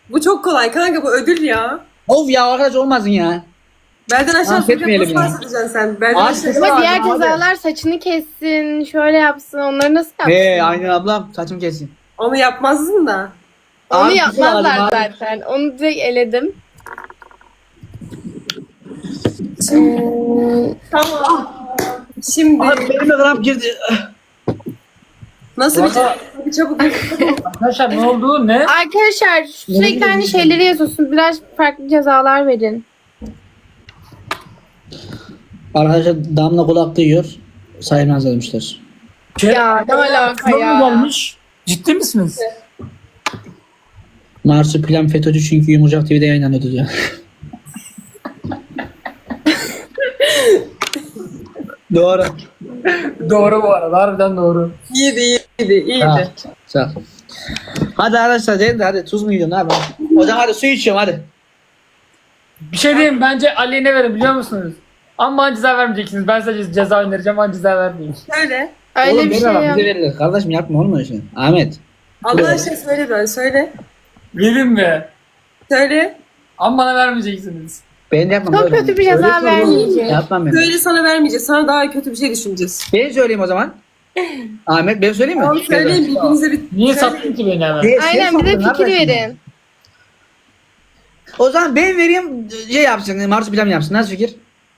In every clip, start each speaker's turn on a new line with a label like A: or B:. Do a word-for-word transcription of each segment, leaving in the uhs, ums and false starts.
A: Bu çok kolay kanka, bu ödül ya.
B: Of ya arkadaş olmasın ya.
A: Belden aşağı
B: Affetmeyelim
A: nasıl
B: ya.
A: bahsedeceksin sen? Belden
B: Abi,
A: aşağı.
B: kesin
C: Ama
B: abi,
C: diğer
B: abi.
C: cezalar saçını kessin, şöyle yapsın, onları nasıl yapsın?
B: He aynen ablam saçım kesin.
A: Onu yapmazdın da.
C: Onu
B: Abi,
C: yapmazlar
B: güzel abi.
C: zaten. Onu direkt eledim. Ee,
A: Tamam. Şimdi
B: Abi benim de kramp girdi.
A: nasıl bir şey?
D: Valla-
A: Bir çabuk.
D: Arkadaşlar ne oldu ne?
C: arkadaşlar sürekli aynı şeyleri yazıyorsun. Biraz farklı cezalar verin.
B: Arkadaşlar damla kulak duyuyor. Sayılmaz demişler.
D: Şey,
C: Ya, ne alaka
D: Kızım
C: ya?
D: gelmiş. Ciddi misiniz?
B: Marsupilami FETÖ'cü çünkü Yumurcak T V'de yayınlanıyordu diyor. Doğru.
D: Doğru bu arada. Harbiden doğru.
A: İyiydi, iyiydi, iyiydi.
B: Sağ ol. Sağ ol. Hadi arkadaşlar dedim de hadi tuz mu yiyorsun abi? O zaman hadi su içiyorum hadi.
D: Bir şey diyeyim, bence Ali'ye ne verin biliyor musunuz? Ama bana ceza vermeyeceksiniz. Ben size ceza önereceğim ama ceza vermeyin.
A: Söyle.
C: Öyle
B: Oğlum
C: bir
B: verme
C: şey
B: bak,
C: yok.
B: bize verilir. Kardeşim yapma olmuyor şey. Ahmet.
A: Allah aşkına söyle ben, söyle.
D: Verin mi?
A: Söyle.
D: Ama bana vermeyeceksiniz.
B: Ben de yapmam.
C: Çok
B: böyle.
C: kötü bir ceza
B: Öyle söyle oğlum.
C: vermeyeceğim.
B: Yapmam ben.
A: Söyle, sana vermeyeceğiz. Sana daha kötü bir şey düşüneceğiz.
B: Ben söyleyeyim o zaman. Ahmet ben söyleyeyim mi?
A: Tamam, söyleyin birbirinize bir...
D: Niye
A: söyle.
D: sattın ki beni hemen?
B: Değil, sen
C: Aynen, bir de
B: sattın
C: fikir
B: kardeşim.
C: verin.
B: O zaman ben vereyim şey yapsın. Marsupilami yapsın. Nasıl fikir?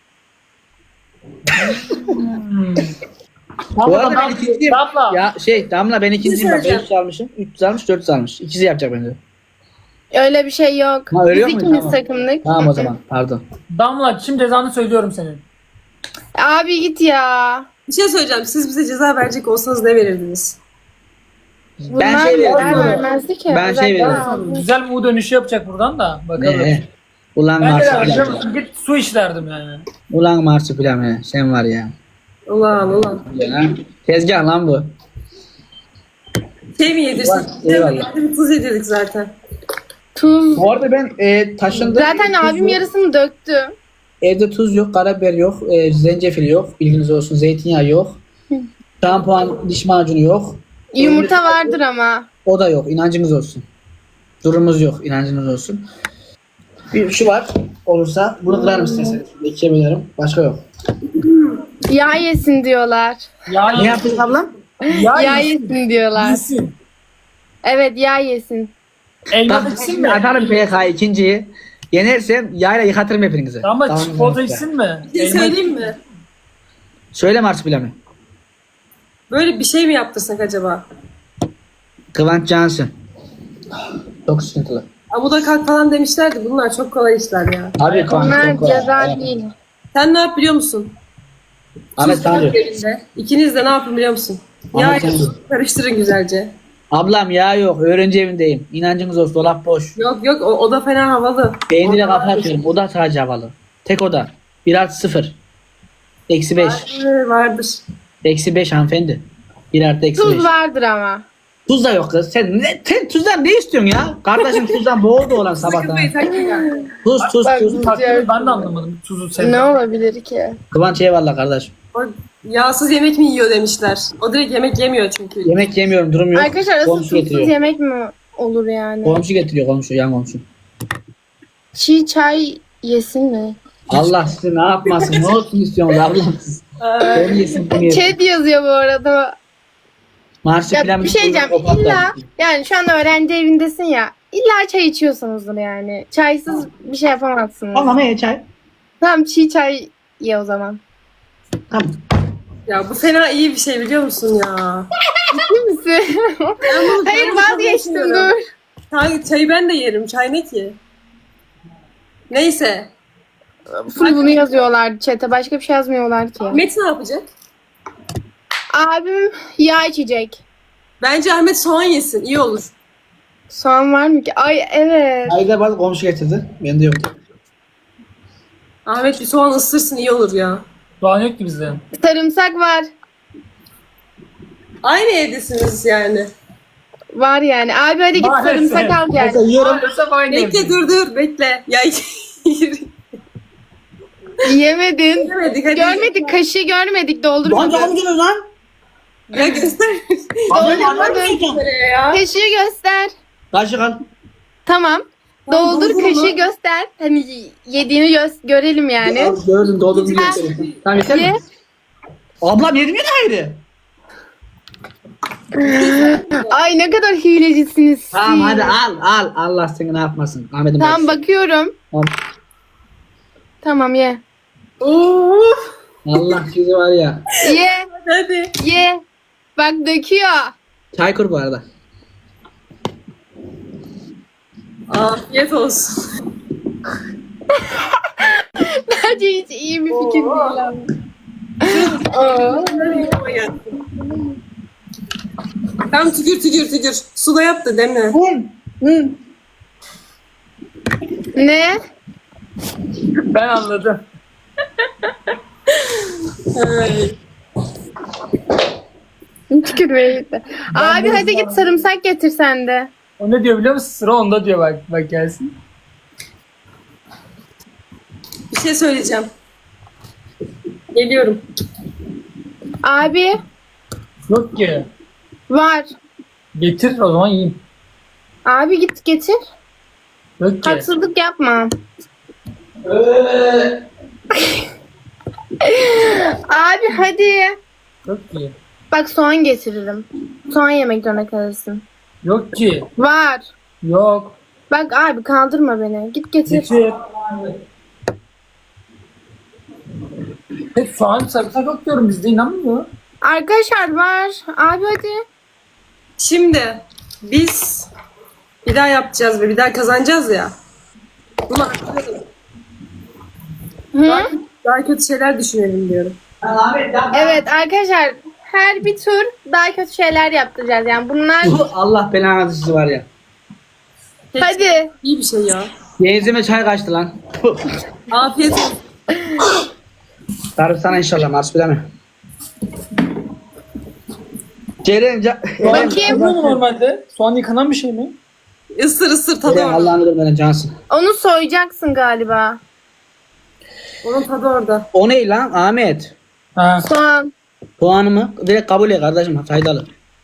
B: Bu arada ben ikinciyim.
D: Damla.
B: Ya şey Damla ben ikinciyim. Bak
A: söyleyeceğim.
B: beş yüz almışım. üç yüz almış dört yüz almış. İkisi yapacak bence.
C: Öyle bir şey yok.
B: Ha, öyle
C: Biz
B: yok mu?
C: ikimiz
B: Tamam.
C: takımdık.
B: Tamam o zaman pardon.
D: Damla şimdi cezanı söylüyorum senin.
C: Abi git ya.
A: Bir şey söyleyeceğim. Siz bize ceza verecek olsanız ne verirdiniz?
C: Bunlar
B: Ben şey
C: neler
B: veririm.
C: vermezdi ki.
B: Ben şey
C: Özellikle
B: veririm.
C: abi.
D: Güzel bir U dönüşü yapacak buradan da. Bakalım.
B: Ee, ulan
D: Ben de vereceğim.
B: Marsupilami.
D: Git su iç derdim yani.
B: Ulan Marsupilami. Sen var ya.
A: Ulan ulan.
B: Ya, tezgah lan bu.
A: Şey mi yedirsek?
B: Ulan, eyvallah.
A: Bir tuz yedirdik zaten.
C: Tuz.
B: Bu arada ben e, taşındım.
C: Zaten
B: Tuz
C: abim
B: yok.
C: yarısını döktü.
B: Evde tuz yok, karabiber yok, e, zencefil yok. Bilginiz olsun. Zeytinyağı yok. Şampuan, diş macunu yok.
C: Yumurta vardır ama.
B: O da yok. İnancınız olsun. Durumumuz yok. İnancınız olsun. Bir şu var. Olursa bunu kırarım isterseniz. İkiye bölerim. Başka yok.
C: Yağ yesin diyorlar.
D: Ya
B: Ne yaptın ablam?
D: Ya,
C: Yağ
D: yesin.
C: yesin diyorlar.
D: Yesin.
C: Evet, yağ yesin.
D: Elma
B: Bak
D: içsin
B: şimdi
D: mi?
B: atarım P K ikinciyi. Yenersem yayla yıkatırım hepinizi.
D: Ama
B: Tamam,
D: çikolata
B: tamam.
D: içsin mi?
A: Bir şey
D: Elma-
A: söyleyeyim mi?
B: Söyle Marsupilami.
A: Böyle bir şey mi yaptırsak acaba?
B: Kıvanç Cansın. Çok sıkıntılı.
A: Amuda kalk falan demişlerdi. Bunlar çok kolay işler ya.
B: Abi Kıvanç
C: Bunlar
B: çok kolay.
C: ceza
B: Evet.
C: değil.
A: Sen ne yap biliyor musun?
B: Ahmet
A: Tuz
B: tanrı.
A: koy elinde. İkiniz de ne yapın biliyor musun?
B: Ahmet
A: Yağ
B: tanrı.
A: karıştırın güzelce.
B: Ablam ya yok. Öğrenci evindeyim. İnancınız olsun. Dolap boş.
A: Yok yok, o, o da fena havalı.
B: Beynine
A: O da-
B: kafa atıyorum. O da sadece havalı. Tek oda. Bir artı sıfır. Eksi beş.
A: Vardır, vardır.
B: Eksi beş hanımefendi. Bir artı eksi beş.
C: Tuz vardır ama.
B: Tuz da yok kız. Sen, ne, sen tuzdan ne istiyorsun ya? Kardeşim tuzdan boğuldu olan sabahtan.
A: Sıkıntıyı takmayın.
B: Tuz tuz
C: Bak,
B: tuz.
D: Takdiri ben de anlamadım. Tuzu
C: Ne
D: sevmiyorum.
C: olabilir ki?
B: Kıvanç eyvallah kardeş.
A: O yağsız yemek mi yiyor demişler. O direkt yemek yemiyor çünkü.
B: Yemek yemiyorum durum yok.
C: Arkadaşlar asıl
B: Komşu
C: tuzsuz
B: getiriyor.
C: yemek mi olur yani?
B: Komşu getiriyor komşu yan komşu.
C: Çiğ çay yesin mi?
B: Allah sizi ne yapmasın ne olsun istiyorsunuz ablam siz. Ben yesin bunu yesin.
C: Chat yazıyor bu arada.
B: Marsupilami
C: Ya bir şey diyeceğim. İlla yani şu an öğrenci evindesin ya. İlla çay içiyorsunuzdur yani. Çaysız bir şey yapamazsınız.
B: Ama ne çay?
C: Tamam, çiğ çay ye o zaman.
B: Tamam.
A: Ya bu fena iyi bir şey biliyor musun ya?
C: Ciddi misin?
A: Ben bunu-
C: Hayır,
A: ben bunu kabul
C: vazgeçtim,
A: etmiyorum.
C: dur.
A: Çay, çayı ben de yerim. Çay ne ki? Neyse.
C: Full bunu yazıyorlar chat'e. Başka bir şey yazmıyorlar ki.
A: Ahmet ne yapacak?
C: Abim yağ içecek.
A: Bence Ahmet soğan yesin. İyi olur.
C: Soğan var mı ki? Ay evet.
B: Ayda bana komşu getirdi. Bende yoktu.
A: Ahmet bir soğan ısırsın, iyi olur ya.
D: Doğan yok ki bizde.
C: Sarımsak var.
A: Aynı evdesiniz yani.
C: Var yani. Abi hadi git
D: Maalesef.
C: sarımsak al gel.
B: Mesela yiyorum.
D: Maalesef aynı
A: Bekle
D: evde.
A: dur dur bekle. Ya
C: Yemedin.
A: yemedik hadi.
C: Görmedik. Kaşığı görmedik.
B: Lan
C: Doldurmadın.
B: canım geliyor lan.
A: Ya göster.
B: Abi,
C: Doldurmadın.
A: Nereye ya?
C: Kaşığı göster.
B: Kaşık al.
C: Tamam. Doldur
A: doldurma.
C: kaşığı göster. Hani yediğini gö- görelim yani.
B: Al, gördüm doldurdum.
C: Ha.
B: göstereyim. Tamam yeter
C: Ye.
B: mi? Ablam yedim ya ayrı.
C: Ay ne kadar hilecisiniz siz.
B: Tamam hadi al al. Allah seni ne yapmasın. Ahmet'im
C: Tamam
B: bak.
C: bakıyorum.
B: Tamam.
C: Tamam ye.
A: Of.
B: Allah sizi var ya.
C: Ye.
A: Hadi.
C: Ye. Bak döküyor.
B: Çay kur bu arada.
A: Afiyet olsun.
C: Bence hiç iyi bir fikir
A: Oo.
C: değil abi.
A: Tam tükür tükür tükür. Suda yap da demle.
B: Hı. Hı.
C: Ne?
D: Ben anladım.
A: Ay.
C: Tükürmeye gitti. Abi hadi git sarımsak getir sen de.
D: O ne diyor biliyor musun? Sıra onda diyor bak. Bak gelsin.
A: Bir şey söyleyeceğim. Geliyorum.
C: Abi
D: Yok ki.
C: var.
D: Getir o zaman yiyeyim.
C: Abi git getir.
D: Yok ki.
C: Haksızlık yapma. Abi hadi.
D: Yok ki.
C: Bak soğan getiririm. Soğan yemek zorunda kalırsın.
D: Yok ki.
C: Var.
D: Yok.
C: Bak abi kaldırma beni. Git getir.
D: Getir. Hep soğan sarımsak yok diyorum bizde inanmıyor.
C: Arkadaşlar var. Abi hadi.
A: Şimdi biz bir daha yapacağız ve bir daha kazanacağız ya. Bunu artıralım.
C: Hı?
A: Daha kötü şeyler düşünelim diyorum.
C: Evet arkadaşlar her bir tur daha kötü şeyler yaptıracağız. Yani bunlar
B: Allah belanı sizi var ya.
C: hadi.
A: İyi bir şey ya.
B: Yeğizime çay kaçtı lan.
A: Afiyet olsun.
B: Tarif sana inşallah marsupilami mi? Ceren ca-
C: Bakayım.
D: Yıkanıyor mu normalde? Soğan yıkanan bir şey mi?
A: Isır ısır tadı
B: Ceren
A: orada.
B: Allah'ını bilmeden cansın.
C: Onu soyacaksın galiba.
A: Onun tadı orada.
B: O ne lan Ahmet?
D: Ha.
C: Soğan.
B: Puanımı direkt kabul et kardeşim faydalı.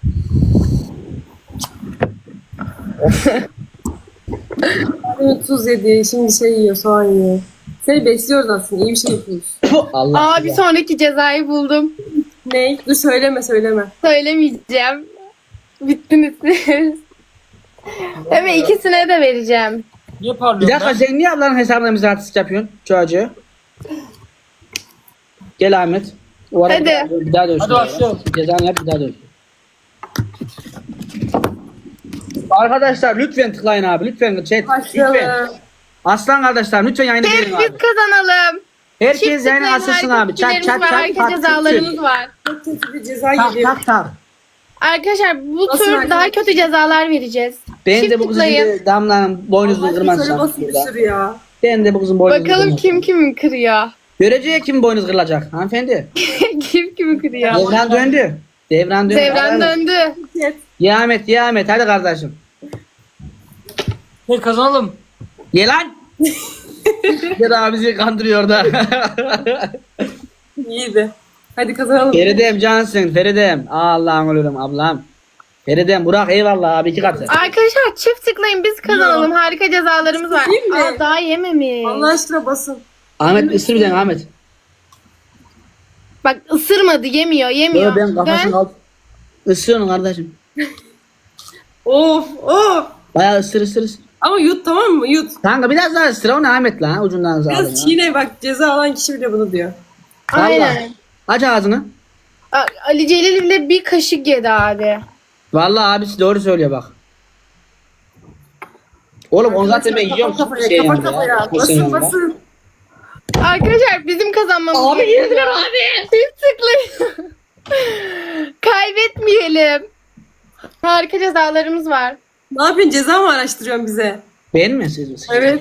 A: Hani tuz yedi, şimdi şey yiyor, soğan yiyor. Seni besliyoruz aslında, iyi bir şey yapıyoruz.
B: Allah
C: Aa bir sonraki cezayı buldum.
A: Ne? Dur söyleme söyleme.
C: Söylemeyeceğim. Bittiniz siz. Evet ikisine de vereceğim.
D: Niye
B: Bir
D: parlıyor
B: dakika
D: ben?
B: sen niye ablanın hesabına mizahsızlık yapıyorsun çocuğu? Gel Ahmet. O arada
C: Hadi.
B: bir daha dövüşün.
D: Hadi başlayalım.
B: Cezanı yap bir daha dövüşün. Arkadaşlar lütfen tıklayın abi lütfen chat lütfen.
A: Başlayalım.
B: Aslan kardeşler lütfen yayını
C: Hep
B: beğenin
C: biz
B: abi.
C: kazanalım.
B: Herkes
C: Çift
B: yayını
C: tıklayın,
B: asılsın
C: harika
B: abi. Çat
C: fikirlerimiz
B: çat
C: var,
B: çat.
C: harika
B: tak,
C: cezalarımız var.
A: Çok kötü bir ceza
B: Tak
A: geliyor.
B: tak tak.
C: Arkadaşlar bu
A: Nasıl
C: tur
A: arkadaşlar?
C: daha kötü cezalar vereceğiz.
B: Ben
C: Çift
B: de bu kızın
C: tıklayın.
B: gibi damlanın boynuzunu
A: Şöyle
B: kırmazsam
A: basın bir
B: burada.
A: sürü ya.
B: Ben de bu kızın boynuzunu
C: Bakalım
B: kırmazsam.
C: kim kimi kırıyor.
B: Göreceğiz kim boynuz kırılacak hanımefendi.
C: Kim kimi kırıyor.
B: Devran döndü. Devran döndü.
C: Devran
B: Hadi.
C: döndü.
B: Ye Ahmet ye Ahmet hadi kardeşim.
D: Ne kazanalım?
B: Ye lan. Ya da bizi kandırıyor da.
A: İyiydi. Hadi kazanalım.
B: Feridem cansın Feridem. Allah'ım ölürüm ablam. Feridem Burak eyvallah abi iki katı.
C: Arkadaşlar çift tıklayın biz kazanalım. Harika cezalarımız var.
A: Değil mi?
C: Aa, daha yememiş.
A: Allah aşkına basın.
B: Ahmet ısır bir tane Ahmet.
C: Bak ısırmadı yemiyor yemiyor.
B: Yo ben kafasını
C: Dön.
B: al. Isırıyorsun kardeşim.
A: Of of.
B: Bayağı ısır ısır ısır.
A: Ama yut tamam mı? Yut.
B: Kanka biraz daha ısır o ne Ahmet lan ucundan alın ya.
A: Biraz çiğne bak, ceza alan kişi bile bunu diyor.
C: Aynen.
B: Aç ağzını.
C: A- Ali Celil bile bir kaşık yedi abi.
B: Vallahi abisi doğru söylüyor bak. Oğlum onu zaten ben
A: Kafa
B: yiyorum.
A: kafaya,
B: Şey
A: kafa
B: yanında,
A: kafaya.
B: kursun
A: Basın
B: yanında.
A: basın.
C: Arkadaşlar bizim kazanmamız
B: Abi
C: gerekiyor.
B: yediler abi.
C: Çift tıklayın. Kaybetmeyelim. Harika cezalarımız var.
A: Ne yapıyorsun? Ceza mı araştırıyorsun bize?
B: Ben mi siz?
A: Evet.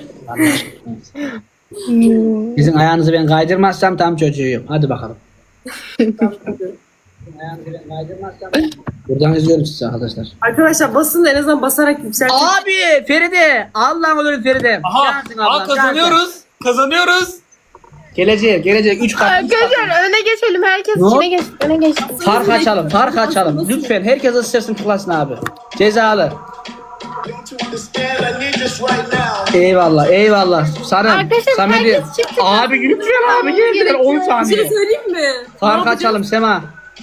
B: Sizin ayağınızı ben kaydırmazsam tam çocuğuyum. Hadi bakalım. Ayağınızı ben kaydırmazsam. Buradan izliyorum sizi arkadaşlar.
A: Arkadaşlar basın da en azından basarak yükseltin.
B: Abi Feride. Allah'ım ölürüm Feride.
D: Aha.
B: Cansın ablam,
D: Aa, kazanıyoruz. Kazanıyoruz.
B: Gelecek gelecek. Üç kat. üç kat.
C: Arkadaşlar öne geçelim. Herkes
B: Ne
C: içine geç. Öne geç.
B: Fark açalım. Fark açalım. Lütfen herkes ısırsın tıklasın abi. Cezalı.
E: Don't you understand? I need this right now.
B: Eyvallah eyvallah. Sarım.
C: Arkadaşlar,
B: Samet'i.
C: herkes çift tık
B: Abi
C: atıyor.
B: lütfen abi geldiler on
A: Bir şey
B: saniye.
A: söyleyeyim mi?
B: Fark
A: Ne
B: açalım Sema.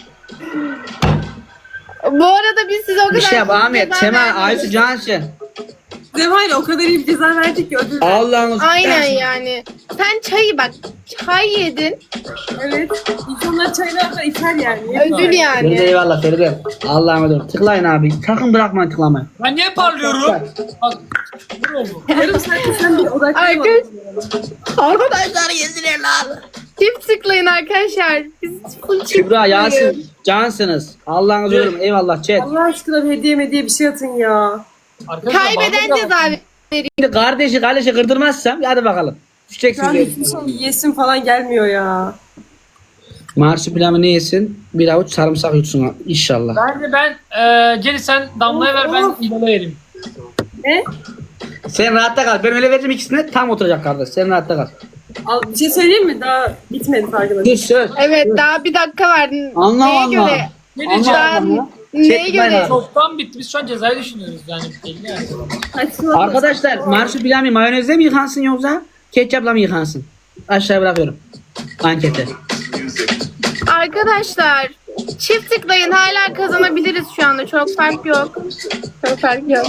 C: Bu arada biz size o kadar...
B: Bir şey yap Ahmet.
C: ceza
B: Sema
C: vermedik.
B: Aysu Cansı.
A: Zemayla o kadar iyi bir ceza verdik ki ödül.
B: Allah'ınız.
C: Aynen yani. Sen çayı bak. Çay yedin.
A: Evet. İnsanlar çaylar da içer yani.
C: Ödül
B: Feride
C: yani.
B: eyvallah Feride. Allah'ıma dur. Tıklayın abi. Sakın bırakmayın tıklamayı.
D: Ben niye parlıyorum? Bak. Ne oldu?
A: Yarım saatte sen bir odaklayamadın.
C: Arkadaş-
B: Arkadaşlar yediler lan.
C: Çift tıklayın arkadaşlar. Biz full çift
B: Kübra,
C: tıklıyoruz.
B: Yasin, cansınız. Allah'ınızı
D: Evet.
B: ölüm. Eyvallah chat.
A: Allah aşkına bir hediye mediye bir şey atın ya.
D: Arkadaşlar,
C: Kaybeden
D: bağırma.
C: ceza verir.
B: Şimdi kardeşi kardeşi kırdırmazsam hadi bakalım. Düşeceksin
A: Yani
B: diye.
A: hiçbir şey yesim falan gelmiyor ya.
B: Marsupilami ne yesin? Bir avuç sarımsak yutsun inşallah.
D: Bence ben e, gel sen Damla'ya ver ben İdol'a vereyim.
A: Ne?
B: Sen rahatta kal. Ben öyle vereceğim ikisine tam oturacak kardeş. Sen rahatta kal.
A: Al, bir şey söyleyeyim mi? Daha bitmedi farkında.
B: Dur söz.
C: Evet daha bir dakika var.
B: Allah
C: Neye
B: Allah.
C: göre?
D: Ne
B: Allah
D: diyeceğim?
B: Allah.
C: Neye
B: Çek
C: göre?
B: bayağı.
D: Çoktan bitti. Biz şu an cezayı düşünüyoruz yani. Belli yani.
A: Saçmalama.
B: Arkadaşlar marsupilami mayonezle mi yıkansın yoksa ketçapla mı yıkansın? Aşağıya bırakıyorum. Ankete.
C: Arkadaşlar çift tıklayın hala kazanabiliriz şu anda. Çok fark yok. Çok fark yok.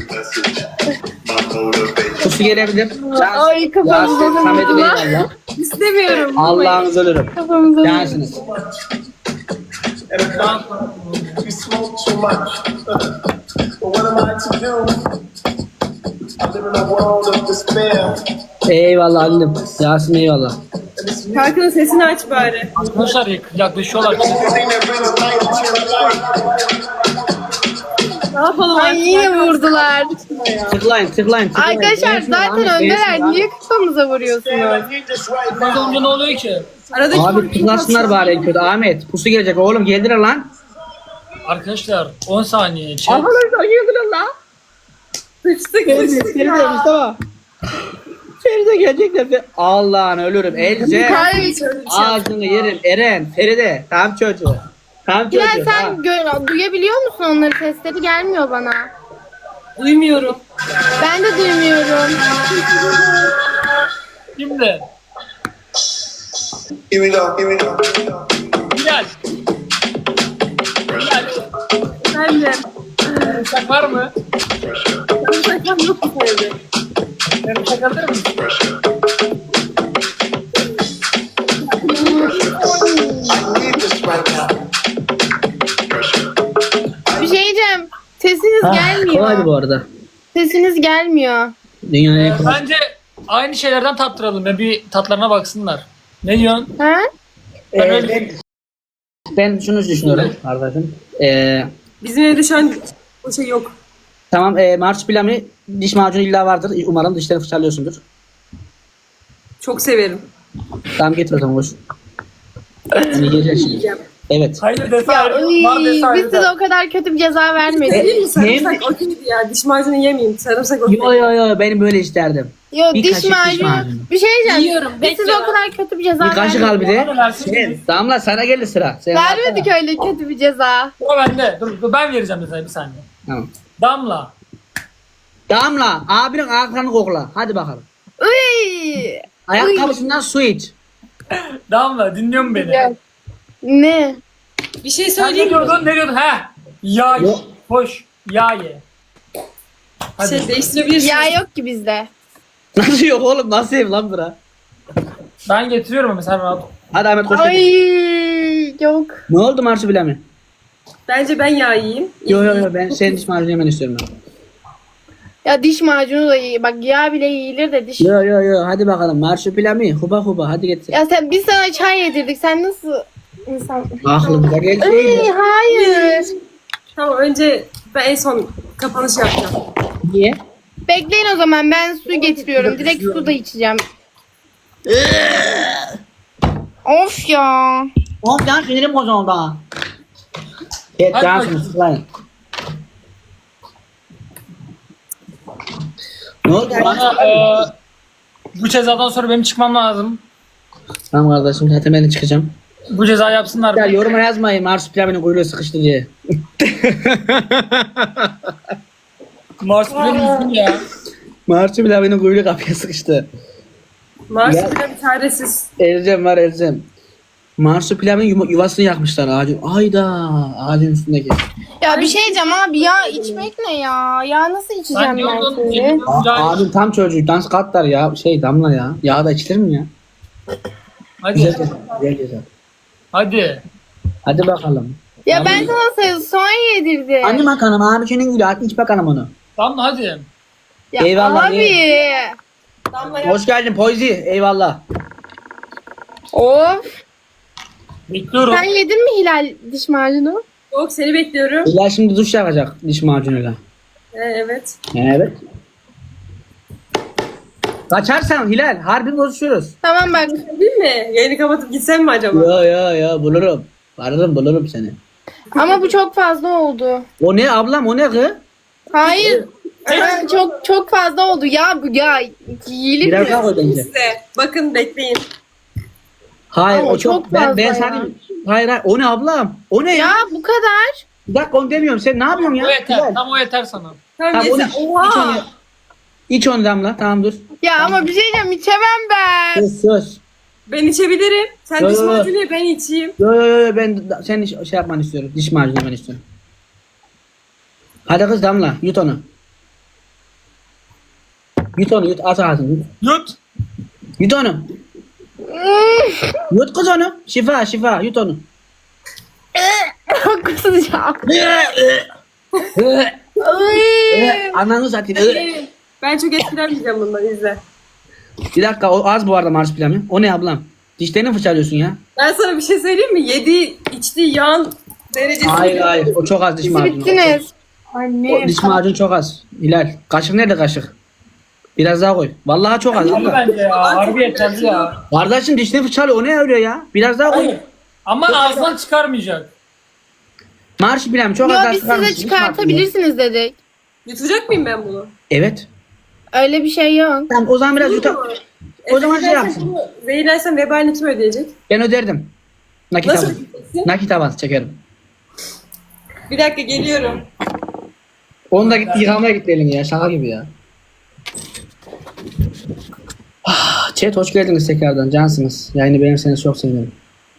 B: Pusu gelebilir.
C: Ay, kafamıza
B: Yasin, Samet'i
C: vurdular.
B: eyvallah.
A: İstemiyorum.
B: Allah'ınızı ölürüm.
C: Kafamıza
B: Cansınız.
E: You smoke too much. But what am I to do? I live in a world of despair.
B: Eyvallah Halim. Yasin eyvallah.
E: And it's
A: Şarkının sesini aç bari.
D: Arkadaşlar yak- yaklaşıyorlar.
E: the thing that brings light to life.
A: Ne yapalım
C: Ay
A: artık?
C: yine vurdular.
B: Tıklayın tıklayın. tıklayın.
C: Arkadaşlar
B: Beğensin,
C: zaten
B: Ahmet,
C: öndeler.
B: beğensin lan.
C: Niye kafamıza vuruyorsunuz?
E: I need this right
D: Az
E: now.
D: önce ne oluyor ki?
A: Aradaki
B: Abi
A: farkı
B: tıklasınlar
A: nasıl-
B: bari en kötü. Ahmet pusu gelecek oğlum geldiler lan.
D: Arkadaşlar on saniye. Chat.
B: Arkadaşlar geldiler lan.
A: Sıçtık
B: Feride,
A: sıçtık
B: Feride
A: ya.
B: Mustafa. Feride gelecekler. Allah'ını ölürüm. Elce.
A: Kaybediyorum.
B: Ağzını yerim. Eren, Feride. Tam çocuğu. Tam çocuğu.
C: Bilal sen gö- duyabiliyor musun onları? Sesleri gelmiyor bana.
A: Duymuyorum.
C: Ben de duymuyorum.
D: Şimdi.
E: Here we go. Here we go. Here we go.
D: Bilal. Bilal.
A: Ben de.
D: Uçak var mı?
A: Benim şakam yok bu evde.
D: Ben uçak alır mısın?
E: I need this right now.
C: Bir şey diyeceğim. Sesiniz
B: Ah, kolaydı bu
C: gelmiyor.
B: arada.
C: Sesiniz gelmiyor.
B: Dünyanın en kolay.
D: Bence aynı şeylerden tattıralım ya bir tatlarına baksınlar. Ne diyorsun?
C: Ha?
D: Ben
B: Ee,
D: öyle-
B: ben, ben şunu düşünüyorum kardeşim. Ee,
A: Bizim evde şu an o şey yok.
B: tamam e, marsupilami diş macunu illa vardır. Umarım dişlerini fırçalıyorsundur.
A: Çok severim.
B: Tamam getir o zaman boş. Yani yiyeceğiz şimdi.
A: Yiyeceğim.
B: Evet.
D: Hayır dese
C: Ya,
D: ayrı.
C: uy,
D: Var dese
C: biz
D: ayrı.
C: size o kadar kötü bir ceza vermedik.
A: Değil mi?
B: Ne?
A: Sarımsak okeydi ya. Diş macunu yemeyeyim. Sarımsak okey.
B: Yo yo yo benim böyle isterdim.
C: Yo
B: Bir
C: diş
B: kaşık diş
C: macunu.
B: macunu.
C: Bir şey diyeceğim.
A: Yiyorum,
C: Biz
A: bekle
C: size o
A: ya.
C: kadar kötü bir ceza
B: Bir kaşık al
C: vermedik.
B: bir de.
D: Bana versin.
B: Şey, Damla sana geldi sıra. Sen
C: Vermedik öyle kötü bir ceza.
D: O bende. Dur, dur ben vereceğim mesela bir saniye.
B: Tamam.
D: Damla.
B: Damla abinin ayaklarını kokla. Hadi bakalım.
C: Uy.
B: Ayakkabısından su iç.
D: Damla dinliyor musun beni?
C: Gel. Ne?
A: Bir şey
D: Sen ne
A: söyleyeyim mi?
D: diyordun? Ne diyordun? He. Yağ ye.
B: Yok.
D: Hoş. Yağ ye. Hadi.
A: Şey değiştirebilirsiniz.
C: Ya yok ki bizde.
B: Nasıl yok oğlum nasıl ev lan bura?
D: Ben getiriyorum ama sen rahat ol.
B: Hadi Ahmet koş.
C: Ay yok.
B: Ne oldu marsupilami?
A: Bence ben yağ yiyeyim.
B: Yo yo yo ben senin diş macunu yemen istiyorum ben.
C: Ya diş macunu da iyi. Bak yağ bile yiyilir de diş.
B: Yo yo yo hadi bakalım marsupilami huba huba hadi getir.
C: Ya sen biz sana çay yedirdik. Sen nasıl insan?
B: Aklımıza
C: Ay,
B: geldi.
C: hayır.
A: Tamam önce ben en son kapanış yapacağım.
B: Niye?
C: Bekleyin o zaman ben su getiriyorum. Direkt su da içeceğim. Of ya.
B: Oğlum can sinirim bozuldu ha. Evet
D: Hadi
B: can
D: bakayım.
B: sinirim. Ne oldu?
D: Bana eee bu cezadan sonra benim çıkmam lazım.
B: Tamam kardeşim zaten ben de çıkacağım.
D: Bu ceza yapsınlar.
B: Ya yoruma yazmayın marsupilaminin kuyruğu sıkıştı diye.
D: Mars benim yüzüm ya.
B: Marsupilaminin kuyruğu kapıya sıkıştı.
A: Marsupilami bir çaresiz.
B: Elzem var Elzem. Marsupilaminin yuva- yuvasını yakmışlar ağacın. Ayda ağacın üstündeki.
C: Ya bir şey diyeceğim abi ya içmek ne ya? Ya nasıl
D: Ben
C: içeceğim ben
D: diyordum.
C: şimdi?
D: yemin-
B: Aa, abim tam çocuk dans katlar ya. Şey Damla ya. Yağ da içilir mi ya? Güzel
D: Hadi.
B: güzel güzel.
D: Hadi.
B: Hadi bakalım.
C: Ya ben sana soğan yedirdim.
B: Anne bakalım abicinin gülü hadi iç bakalım onu.
D: Tamam hadi.
C: Ya
B: Eyvallah,
C: abi.
A: Damla yap.
B: Hoş geldin Poyzi. Eyvallah.
C: Of.
D: Bekliyorum.
C: Sen yedin mi Hilal diş macunu?
A: Yok seni bekliyorum.
B: İlla şimdi duş yapacak diş macunuyla.
A: Ee, evet.
B: Evet. Kaçarsan Hilal harbi bozuşuyoruz.
C: Tamam bak.
A: Değil mi? Yayını kapatıp gitsem mi acaba?
B: Ya ya ya bulurum. Varırım bulurum seni.
C: Ama bu çok fazla oldu.
B: O ne ablam o ne kız?
C: Hayır. Ben çok çok fazla oldu. Ya bu ya yiyelim
B: Biraz
C: mi?
B: daha koy bence.
A: Size. Bakın bekleyin.
B: Hayır
C: Ama
B: o çok,
C: çok
B: ben, ben
C: fazla
B: sana
C: ya.
B: hayır hayır o ne ablam? O ne ya?
C: Ya bu kadar.
B: Bir dakika onu demiyorum sen ne yapıyorsun ya?
D: O yeter.
B: Hilal.
D: Tam o yeter sana.
A: Tamam,
B: Tamam, onu
A: yeter.
B: iç, iç onu.
A: Oha.
B: İç onu Damla tamam dur.
C: Ya ama bir şey diyeceğim içemem ben.
B: Sus sus.
A: Ben içebilirim. Sen
B: Yo,
A: diş
B: yo, yo.
A: macunu ye, ben içeyim.
B: Yo yo yo yo, ben da- senin iş- şey yapmanı istiyorum. Diş macunu ben istiyorum. Hadi kız Damla yut onu. Yut onu yut at ağzını yut.
D: Yut.
B: Yut onu. Yut kız onu. Şifa şifa yut onu.
C: Kusacağım. Ay.
B: Ananı satayım.
A: Gelin. Ben çok etkilenmeyeceğim bundan izle.
B: Bir dakika o az bu arada marsupilami. O ne ablam? Dişlerini fırçalıyorsun ya.
A: Ben sana bir şey söyleyeyim mi? Yediği, içtiği yağın derecesi.
B: Hayır hayır o çok az diş
C: Siz
B: macunu.
C: bittiniz.
B: O
C: Anne.
B: diş macunu çok az. Hilal. Kaşık nerede kaşık? Biraz daha koy. Vallahi çok az.
D: Hadi
B: abla.
D: bence ya. Harbi yeterli ya.
B: Kardeşim dişlerini fırçalıyor. O ne öyle ya? Biraz daha koy.
D: Hayır. Ama ağzından çıkarmayacak.
B: Marsupilami çok
C: Yo
B: az daha
C: biz
B: çıkar
C: size
B: mısın? Diş macunu.
C: çıkartabilirsiniz dedik.
A: Yutacak mıyım ben bunu?
B: Evet.
C: Öyle bir şey yok.
B: Tamam o zaman biraz yutar. O zaman şey yapsın.
A: Zehirlersem vebalini kim ödeyecek?
B: Ben öderdim. Nakit
A: Nasıl
B: avans.
A: ödeyeceksin?
B: Nakit avans çekerim.
A: Bir dakika geliyorum.
B: Onu da gitti yıkamaya gitti elini ya. Şaka gibi ya. Ah, Chat hoş geldiniz tekrardan. Cansınız. Yayını beğenirseniz çok sevinirim.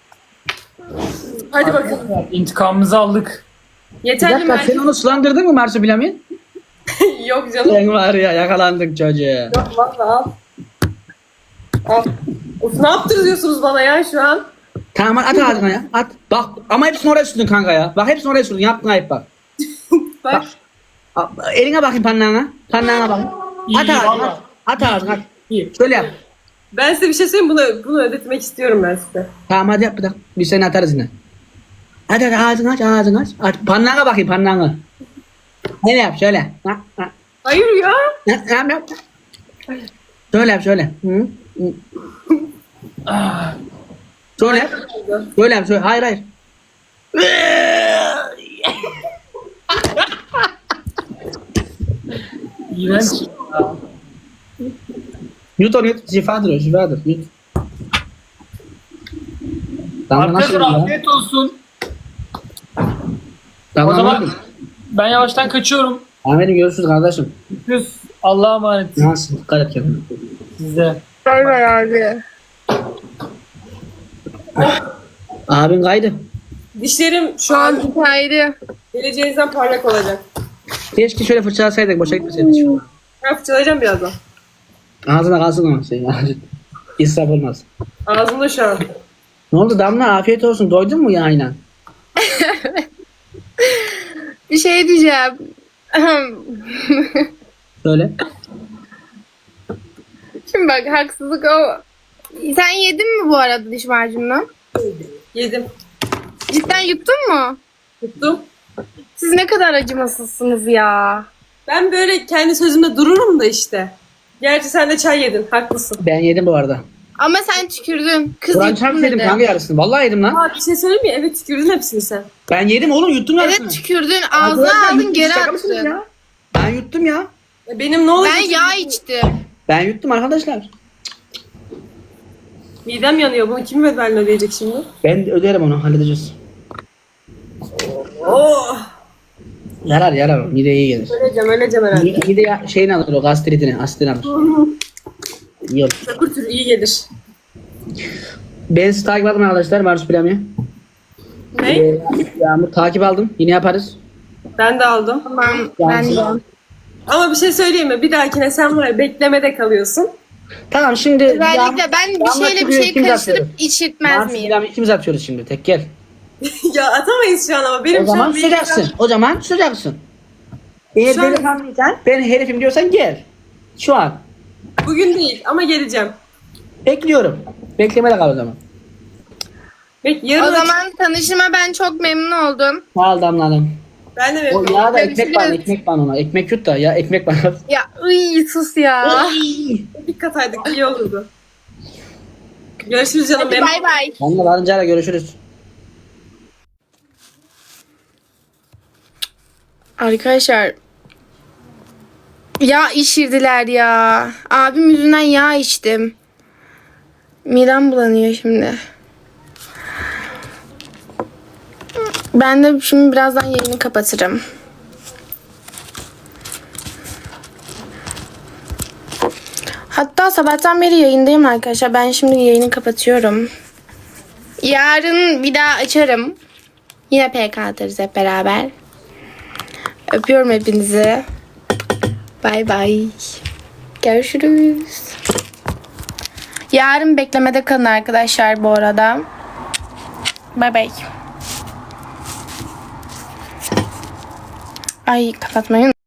A: Hadi bakalım.
D: İntikamımızı aldık.
B: Bir
A: Yeterli
B: dakika
A: mi?
B: sen onu sulandırdın mı Marsupilami?
A: Yok canım.
B: Sen var ya yakalandık çocuğu.
A: Yok valla al. Al. Of ne yaptırıyorsunuz bana ya şu an?
B: Tamam at ağzına ya. At. Bak ama hepsini oraya sürdün kanka ya. Bak hepsini oraya sürdün. Yaptın ayıp bak.
A: Bak.
B: A- Eline bakayım parnağına. Parnağına bak.
D: İyi,
B: At ağzına.
D: valla.
B: At, at ağzına. At.
D: İyi.
B: Şöyle yap.
A: Ben size bir şey söyleyeyim bunu, bunu ödetmek istiyorum ben size.
B: Tamam hadi yap bir dakika. Biz seni atarız yine. Hadi hadi ağzını aç ağzını aç. aç. Parnağına bakayım parnağına. Ne yap şöyle. Ha, ha.
A: Hayır ya.
B: Yap yap yap. Şöyle yap şöyle. Hı? Hı. Şöyle yap. Şöyle yap şöyle. Hayır hayır.
D: İğrenç. Ya.
B: Yut onu yut. Şifadır o şifadır. Yut. Damla nasıl
D: Arkadaşlar
B: ya?
D: afiyet olsun.
B: Damla
D: O zaman-
B: nasıl?
D: Ben yavaştan kaçıyorum.
B: Ahmet'im görüşürüz kardeşim.
D: Düz. Allah'a emanet.
B: Nasıl? Dikkat et kendine.
D: Size.
C: Bay bay abi.
B: Abin kaydı.
A: Dişlerim şu an
C: Haydi.
A: geleceğinizden parlak olacak.
B: Keşke şöyle fırçalasaydık. Boşa gitmeseydik şu.
A: Ben fırçalayacağım birazdan.
B: Ağzına kalsın ama şey. İsraf olmaz.
A: Ağzımda şu an.
B: Ne oldu Damla? Afiyet olsun. Doydun mu yayına?
C: Bir şey diyeceğim.
B: Söyle.
C: Şimdi bak haksızlık o. Sen yedin mi bu arada diş macununu?
A: Yedim.
C: Cidden yuttun mu?
A: Tuttum.
C: Siz ne kadar acımasızsınız ya.
A: Ben böyle kendi sözümde dururum da işte. Gerçi sen de çay yedin. Haklısın.
B: Ben yedim bu arada.
C: Ama sen tükürdün. Kız
B: Kur'an
C: yuttun
B: çarpı yedim
C: dedi.
B: kanka yarısını. Vallahi yedim lan.
A: Aa bir şey söyleyeyim mi? Evet tükürdün hepsini sen.
B: Ben yedim oğlum yuttum yarısını.
C: Evet tükürdün. Ağzına
B: Arkadaşlar,
C: aldın
B: yuttum,
C: geri
B: şaka mısınız
C: attın.
B: ya? Ben yuttum ya.
A: E, Benim ne olacak?
C: Ben yağ içtim.
B: Ben yuttum arkadaşlar.
A: Midem yanıyor. Bunu kim bedelini ödeyecek şimdi?
B: Ben öderim onu halledeceğiz.
A: Oh.
B: Yarar yarar. Mideye iyi gelir.
A: Öleceğim öleceğim herhalde.
B: Mide, mide şeyini alır o gastritini, asitini alır. İyi olur.
A: Çakır türü iyi gelir.
B: Ben sizi takip aldım arkadaşlar. Marsupilami.
A: Ne?
B: Ee, Yağmur takip aldım. Yine yaparız.
A: Ben de aldım.
C: Tamam ben de.
A: Ama bir şey söyleyeyim mi? Bir dahakine sen var ya beklemede kalıyorsun.
B: Tamam şimdi
C: Özellikle ben bir
B: Yağmur
C: şeyle bir
B: şimdi
C: şey
B: ikimiz
C: karıştırıp
B: atıyoruz.
C: içirtmez miyim?
B: Marsupilami ikimiz atıyoruz şimdi. Tek gel.
A: Ya atamayız şu an ama benim
B: O
A: şu
B: zaman
A: an bir-
B: tutacaksın. O zaman tutacaksın. Eğer
A: Şu an-
B: beni tanıyorsan, ben herifim diyorsan gel. Şu an.
A: Bugün değil ama geleceğim.
B: Bekliyorum. Beklemede kal o zaman.
A: Bek yarın
C: O zaman tanışıma ben çok memnun oldum.
B: Sağ ol Damla Hanım.
A: ben de
B: O
A: memnunum.
B: ya da ekmek bana,
C: Görüşürüz.
B: ekmek bana ona. Ekmek yut da ya ekmek bana.
C: Ya ıy sus ya.
A: Dikkat aydık iyi olurdu. Görüşürüz canım.
C: Hadi
A: Memnun-
C: bay bay.
B: Onunla varınca görüşürüz.
C: Arkadaşlar yağ içirdiler ya. Abim yüzünden yağ içtim. Midem bulanıyor şimdi. Ben de şimdi birazdan yayını kapatırım. Hatta sabahtan beri yayındayım arkadaşlar. Ben şimdi yayını kapatıyorum. Yarın bir daha açarım. Yine P K atarız hep beraber. Öpüyorum hepinizi. Bay bay. Görüşürüz. Yarın beklemede kalın arkadaşlar bu arada. Bay bay. Ay kapatmayın.